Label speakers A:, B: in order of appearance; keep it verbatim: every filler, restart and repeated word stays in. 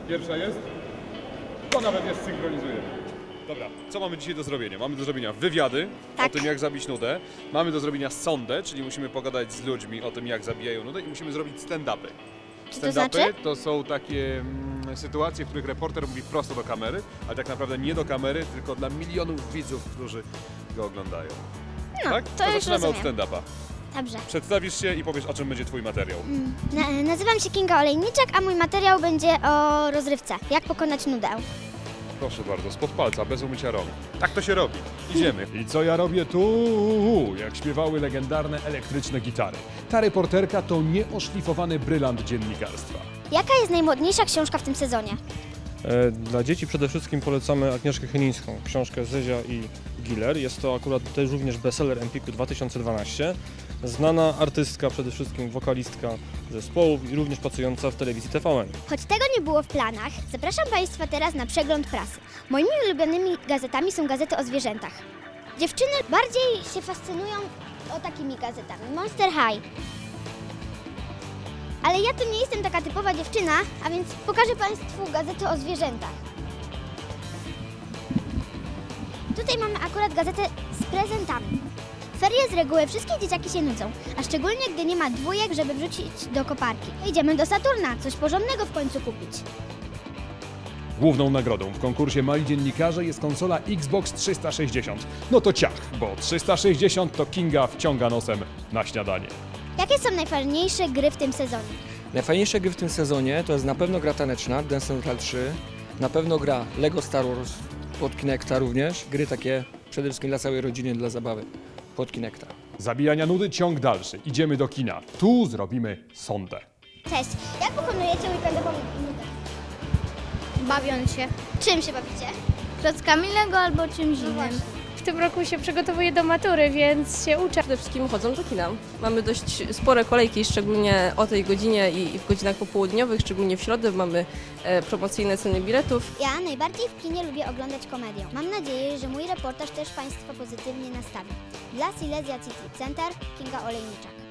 A: Pierwsza jest. To nawet jest synchronizujemy. Dobra, co mamy dzisiaj do zrobienia? Mamy do zrobienia wywiady
B: Tak.
A: o tym, jak zabić nudę. Mamy do zrobienia sondę, czyli musimy pogadać z ludźmi o tym, jak zabijają nudę i musimy zrobić stand-upy.
B: Czy to
A: Stand-upy
B: znaczy?
A: to są takie mm, sytuacje, w których reporter mówi prosto do kamery, ale tak naprawdę nie do kamery, tylko dla milionów widzów, którzy go oglądają.
B: No,
A: tak?
B: to już
A: zaczynamy od
B: rozumiem.
A: stand-upa.
B: Dobrze.
A: Przedstawisz się i powiesz, o czym będzie twój materiał.
B: Na, nazywam się Kinga Olejniczak, a mój materiał będzie o rozrywce. Jak pokonać nudę.
A: Proszę bardzo, spod palca, bez umycia rąk. Tak to się robi. Idziemy. I co ja robię tu? Jak śpiewały legendarne elektryczne gitary. Ta reporterka to nieoszlifowany brylant dziennikarstwa.
B: Jaka jest najmodniejsza książka w tym sezonie?
C: Dla dzieci przede wszystkim polecamy Agnieszkę Chylińską, książkę Zezia i Giller. Jest to akurat też również bestseller Empiku dwa tysiące dwanaście. Znana artystka, przede wszystkim wokalistka zespołów i również pracująca w telewizji T V N.
B: Choć tego nie było w planach, zapraszam Państwa teraz na przegląd prasy. Moimi ulubionymi gazetami są gazety o zwierzętach. Dziewczyny bardziej się fascynują o takimi gazetami. Monster High. Ale ja to nie jestem taka typowa dziewczyna, a więc pokażę Państwu gazety o zwierzętach. Tutaj mamy akurat gazetę z prezentami. W ferie z reguły wszystkie dzieciaki się nudzą, a szczególnie gdy nie ma dwójek, żeby wrzucić do koparki. Idziemy do Saturna, coś porządnego w końcu kupić.
A: Główną nagrodą w konkursie Mali Dziennikarze jest konsola Xbox trzysta sześćdziesiąt. No to ciach, bo trzysta sześćdziesiąt to Kinga wciąga nosem na śniadanie.
B: Jakie są najfajniejsze gry w tym sezonie?
D: Najfajniejsze gry w tym sezonie to jest na pewno gra taneczna, Dance Central trzy, na pewno gra Lego Star Wars pod Kinecta również, gry takie przede wszystkim dla całej rodziny, dla zabawy pod Kinecta.
A: Zabijania nudy, ciąg dalszy. Idziemy do kina. Tu zrobimy sondę.
B: Cześć, jak pokonujecie weekendową nudę?
E: Bawiąc się.
B: Czym się bawicie?
E: Klockami Lego albo czymś
B: No
E: innym.
B: właśnie.
F: W tym roku się przygotowuję do matury, więc się uczę.
G: Przede wszystkim chodzą do kina. Mamy dość spore kolejki, szczególnie o tej godzinie i w godzinach popołudniowych, szczególnie w środę mamy e, promocyjne ceny biletów.
B: Ja najbardziej w kinie lubię oglądać komedię. Mam nadzieję, że mój reportaż też Państwa pozytywnie nastawi. Dla Silesia City Center, Kinga Olejniczak.